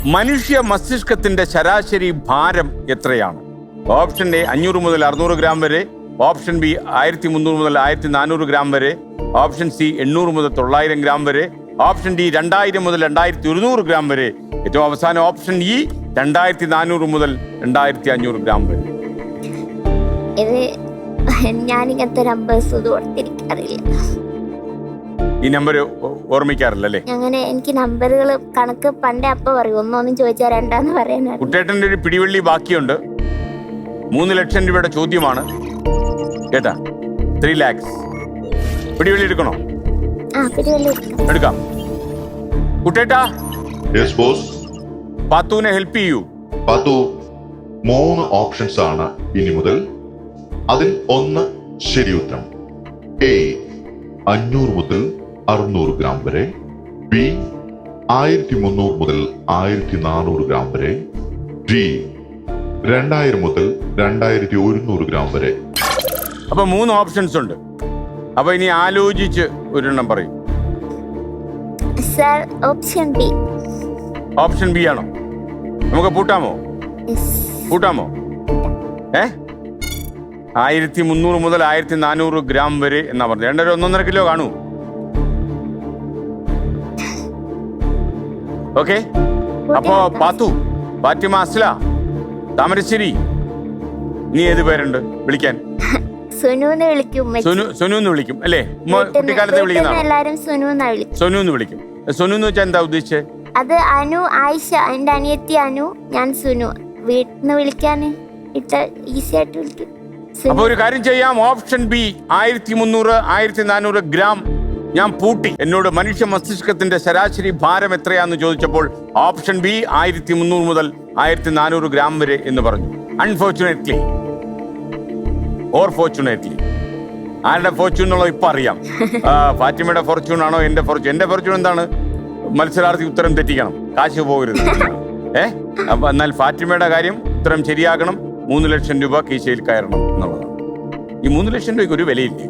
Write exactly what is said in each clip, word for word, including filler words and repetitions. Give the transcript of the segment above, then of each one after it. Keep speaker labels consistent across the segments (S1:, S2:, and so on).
S1: മനുഷ്യ മസ്തിഷ്കത്തിന്റെ ശരാശരി ഭാരം എത്രയാണ്? ഓപ്ഷൻ എ അഞ്ഞൂറ് മുതൽ അറുന്നൂറ് ഗ്രാം വരെ, ഓപ്ഷൻ ബി ആയിരത്തി മുന്നൂറ് മുതൽ ആയിരത്തി നാനൂറ് ഗ്രാം വരെ, ഓപ്ഷൻ സി എണ്ണൂറ് മുതൽ തൊള്ളായിരം ഗ്രാം വരെ, ഓപ്ഷൻ ഡി രണ്ടായിരം മുതൽ രണ്ടായിരത്തി ഒരുന്നൂറ് ഗ്രാം വരെ, ഏറ്റവും അവസാനം ഓപ്ഷൻ ഇ രണ്ടായിരത്തി നാനൂറ് മുതൽ രണ്ടായിരത്തി അഞ്ഞൂറ് ഗ്രാം വരെ.
S2: ഇത് ഞാനിങ്ങനത്തെ നമ്പേഴ്സ് ഒന്നും ഓർത്തിരിക്കാറില്ല.
S1: ഈ നമ്പർ ഓർമ്മിക്കാറില്ല അല്ലേ?
S2: അങ്ങനെ എനിക്ക് നമ്പറുകൾ കണക്ക് പണ്ടേ അപ്പ പറയും, ഒന്നൊന്നും ചോദിച്ചാൽ രണ്ടാന്ന് പറയാനാണ്.
S1: കുട്ടേട്ടന്റെ ഒരു പിടിവള്ളി ബാക്കിയുണ്ട്. മൂന്ന് ലക്ഷം രൂപയുടെ ചോദ്യമാണ് കേട്ടാ. ത്രീ ലാക്സ് പിടിവള്ളി എടുക്കണോ?
S2: ആ പിടിവള്ളി
S1: എടുക്കാം. കുട്ടേട്ടാ,
S3: യെസ് ബോസ്.
S1: പാത്തുവിനെ ഹെൽപ്പ് ചെയ്യൂ.
S3: പാത്തു, മൂന്ന് ഓപ്ഷൻസ് ആണ് ഇനി മുതൽ. അതിൽ ഒന്ന് ശരി ഉത്തരം. എ അഞ്ഞൂറ് മുതൽ അറുന്നൂറ് ഗ്രാം വരെ, ബി ആയിരത്തി മുന്നൂറ് മുതൽ ആയിരത്തി നാനൂറ് ഗ്രാം വരെ, ഡി രണ്ടായിരം മുതൽ രണ്ടായിരത്തി ഒരുന്നൂറ് ഗ്രാം വരെ.
S1: അപ്പൊ മൂന്ന് ഓപ്ഷൻസ് ഉണ്ട്. അപ്പൊ ഇനി ആലോചിച്ച് ഒരെണ്ണം പറയും.
S2: Sir option B.
S1: Option B ആണോ? നമുക്ക് പൂട്ടാമോ? പൂട്ടാമോ? ഏ ആയിരത്തി മുന്നൂറ് മുതൽ ആയിരത്തി നാനൂറ് ഗ്രാം വരെ എന്നാ പറഞ്ഞത്. രണ്ടര ഒന്നൊന്നര കിലോ കാണൂ. ഓക്കെ. അപ്പോ പാത്തു, ഫാത്തിമ, അസ്ല, താമരശ്ശേരി, നീ ഏത് പേരുണ്ട് വിളിക്കാൻ?
S2: സുനുന്ന് വിളിക്കും.
S1: സുനു സുനു എന്ന് വിളിക്കും അല്ലേ? കുട്ടിക്കാലത്തെ
S2: വിളിക്കുന്നതാണ്.
S1: സുനു എന്ന് വിളിക്കും. സുനു എന്ന് വെച്ചാൽ എന്താ ഉദ്ദേശിച്ചത്?
S2: അത് അനു, ആയിഷ, എന്റെ അനിയത്തി അനു, ഞാൻ സുനു. വീട്ടിന്ന് വിളിക്കാൻ ഇട്ട ഈസി ആയിട്ട് വിളിക്കും.
S1: അപ്പൊ ഒരു കാര്യം ചെയ്യാം. ഓപ്ഷൻ ബി ആയിരത്തി മുന്നൂറ് ആയിരത്തി നാനൂറ് ഗ്രാം ഞാൻ പൂട്ടി. എന്നോട് മനുഷ്യ മസ്തിഷ്കത്തിന്റെ ശരാശരി ഭാരം എത്രയാന്ന് ചോദിച്ചപ്പോൾ ഓപ്ഷൻ ബി ആയിരത്തി മുന്നൂറ് മുതൽ ആയിരത്തി നാനൂറ് ഗ്രാം വരെ എന്ന് പറഞ്ഞു. അൺഫോർച്ചുനേറ്റ്ലി ഓർ ഫോർച്ചുനേറ്റ്ലി, ആരുടെ ഫോർച്യൂൺ എന്നുള്ളത് ഇപ്പൊ അറിയാം. ഫാത്തിമയുടെ ഫോർച്യൂൺ ആണോ എന്റെ ഫോർച്യൂൺ? എന്റെ ഫോർച്യൂൺ എന്താണ്? മത്സരാർത്ഥി ഉത്തരം തെറ്റിക്കണം, കാശ് പോകരുത്. ഏ അപ്പൊ എന്നാൽ ഫാത്തിമയുടെ കാര്യം ഉത്തരം ശരിയാക്കണം, മൂന്ന് ലക്ഷം രൂപ കീശയിൽ കയറണം എന്നുള്ളതാണ്. ഈ മൂന്ന് ലക്ഷം രൂപയ്ക്ക് ഒരു വിലയില്ലേ?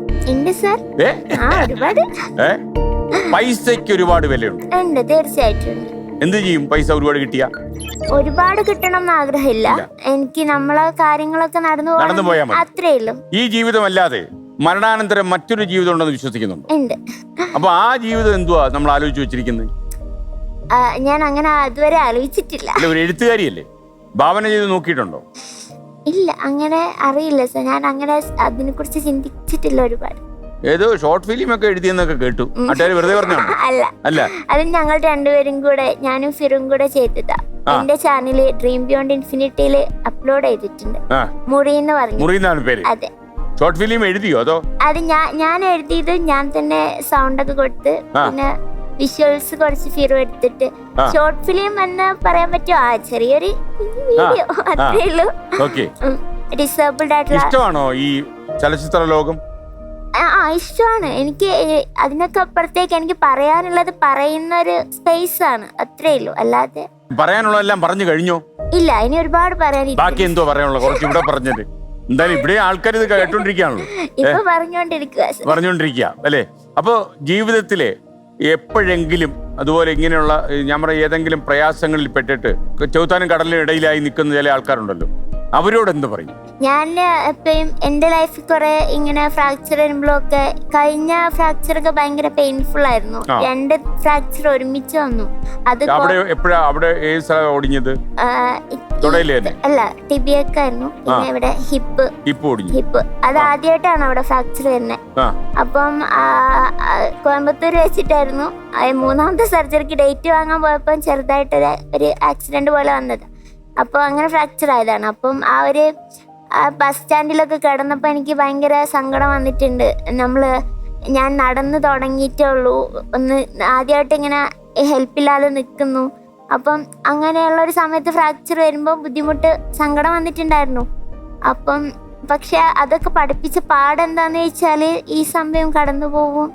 S1: ഏ പൈസയ്ക്ക് ഒരുപാട് വിലയുണ്ട്.
S2: തീർച്ചയായിട്ടും.
S1: എന്ത് ചെയ്യും പൈസ ഒരുപാട് കിട്ടിയ?
S2: ഒരുപാട് കിട്ടണം എന്ന് ആഗ്രഹമില്ല എനിക്ക്. നമ്മളെ കാര്യങ്ങളൊക്കെ നടന്നു
S1: നടന്നു പോയാൽ മതി,
S2: അത്രേ ഉള്ളൂ.
S1: ഈ ജീവിതം അല്ലാതെ മരണാനന്തരം മറ്റൊരു ജീവിതം ഉണ്ടെന്ന് വിശ്വസിക്കുന്നുണ്ട്?
S2: ഉണ്ട്.
S1: അപ്പൊ ആ ജീവിതം എന്തുവാ നമ്മൾ ആലോചിച്ച് വെച്ചിരിക്കുന്നത്?
S2: ഞാൻ അങ്ങനെ അതുവരെ ആലോചിച്ചിട്ടില്ല.
S1: ഒരു എഴുത്തുകാരിയല്ലേ, ഭാവന ചെയ്ത് നോക്കിയിട്ടുണ്ടോ?
S2: ഇല്ല, അങ്ങനെ അറിയില്ല സർ. ഞാൻ അങ്ങനെ അതിനെ കുറിച്ച് ചിന്തിച്ചിട്ടില്ല ഒരുപാട്.
S1: ഏതോ ഷോർട്ട് ഫിലിം ഒക്കെ എഴുതിയെന്നൊക്കെ കേട്ടു. നാട്ടുകാർ വെറുതെ പറഞ്ഞാണോ?
S2: അല്ല അല്ല, അത് ഞങ്ങൾ രണ്ടുപേരും കൂടെ, ഞാനും ഫിറും കൂടെ ചെയ്തതാ. എന്റെ ചാനലില് ഡ്രീം ബിയോണ്ട് ഇൻഫിനിറ്റിയില് അപ്ലോഡ് ചെയ്തിട്ടുണ്ട്. മുറി എന്ന് പറഞ്ഞു.
S1: മുറി എന്നാണ് പേര്.
S2: അതെ.
S1: ഷോർട്ട് ഫിലിം എഴുതിയോ അതോ?
S2: അത് ഞാൻ ഞാൻ എഴുതിയത് ഞാൻ തന്നെ സൗണ്ട് ഒക്കെ കൊടുത്ത്, പിന്നെ വിഷ്വൽസ് കുറച്ച് ഫിറു എടുത്തിട്ട് ഷോർട്ട് ഫിലിം എന്ന് പറയാൻ പറ്റുമോ? ആ ചെറിയൊരു വീഡിയോ, അത്രേ ഉള്ളൂ. ഡിസേബിൾഡ് ആയിട്ടുള്ള.
S1: ഇഷ്ടമാണോ ഈ ചലച്ചിത്ര ലോകം?
S2: ആ ഇഷ്ടമാണ് എനിക്ക്. അതിനൊക്കെ അപ്പുറത്തേക്ക് എനിക്ക് പറയാനുള്ളത് പറയുന്ന ഒരു സ്പേസ് ആണ്, അത്രേ ഉള്ളൂ. അല്ലാതെ
S1: പറയാനുള്ളതെല്ലാം പറഞ്ഞു കഴിഞ്ഞോ?
S2: ഇല്ല, ഇനി ഒരുപാട് പറയാൻ.
S1: ബാക്കി എന്തോ പറയാനുള്ളത്? കുറച്ച് ഇവിടെ പറഞ്ഞത് എന്തായാലും ഇവിടെ ആൾക്കാർ ഇത് കേട്ടോണ്ടിരിക്കുകയാണല്ലോ.
S2: ഇപ്പൊ പറഞ്ഞോണ്ടിരിക്കുക
S1: പറഞ്ഞോണ്ടിരിക്കുക അല്ലേ? അപ്പൊ ജീവിതത്തിലെ എപ്പോഴെങ്കിലും അതുപോലെ ഇങ്ങനെയുള്ള ഞാൻ പറയാം ഏതെങ്കിലും പ്രയാസങ്ങളിൽ പെട്ടിട്ട് ചൗത്താനും കടലിനും ഇടയിലായി നിൽക്കുന്ന ചില ആൾക്കാരുണ്ടല്ലോ, അവരോട് എന്ത് പറയും?
S2: ഞാൻ എപ്പോഴും എന്റെ ലൈഫിൽ കുറെ ഇങ്ങനെ ഫ്രാക്ചർ വരുമ്പോഴൊക്കെ, കഴിഞ്ഞ ഫ്രാക്ചർ ഒക്കെ ഭയങ്കര പെയിൻഫുൾ ആയിരുന്നു. രണ്ട് ഫ്രാക്ചർ ഒരുമിച്ച് വന്നു. അത്
S1: എപ്പോഴാ അവിടെ ഏത് സ്ഥലം ഒടിഞ്ഞത്?
S2: അല്ല, ടിബിയൊക്കെയായിരുന്നു. പിന്നെ ഇവിടെ ഹിപ്പ് ഹിപ്പ് അത് ആദ്യമായിട്ടാണ് അവിടെ ഫ്രാക്ചർ വരുന്നത്. അപ്പം കോയമ്പത്തൂർ വെച്ചിട്ടായിരുന്നു. മൂന്നാമത്തെ സർജറിക്ക് ഡേറ്റ് വാങ്ങാൻ പോയപ്പോൾ ചെറുതായിട്ട് ഒരു ആക്സിഡന്റ് പോലെ വന്നത്. അപ്പോൾ അങ്ങനെ ഫ്രാക്ചർ ആയതാണ്. അപ്പം ആ ഒരു ബസ് സ്റ്റാൻഡിലൊക്കെ കിടന്നപ്പോൾ എനിക്ക് ഭയങ്കര സങ്കടം വന്നിട്ടുണ്ട്. നമ്മള് ഞാൻ നടന്നു തുടങ്ങിയിട്ടേ ഉള്ളൂ, ഒന്ന് ആദ്യമായിട്ട് ഇങ്ങനെ ഹെൽപ്പില്ലാതെ നിൽക്കുന്നു. അപ്പം അങ്ങനെയുള്ള ഒരു സമയത്ത് ഫ്രാക്ചർ വരുമ്പോൾ ബുദ്ധിമുട്ട്, സങ്കടം വന്നിട്ടുണ്ടായിരുന്നു. അപ്പം പക്ഷെ അതൊക്കെ പഠിപ്പിച്ച പാടെന്താന്ന് വെച്ചാൽ ഈ സമയം കടന്നു പോകും.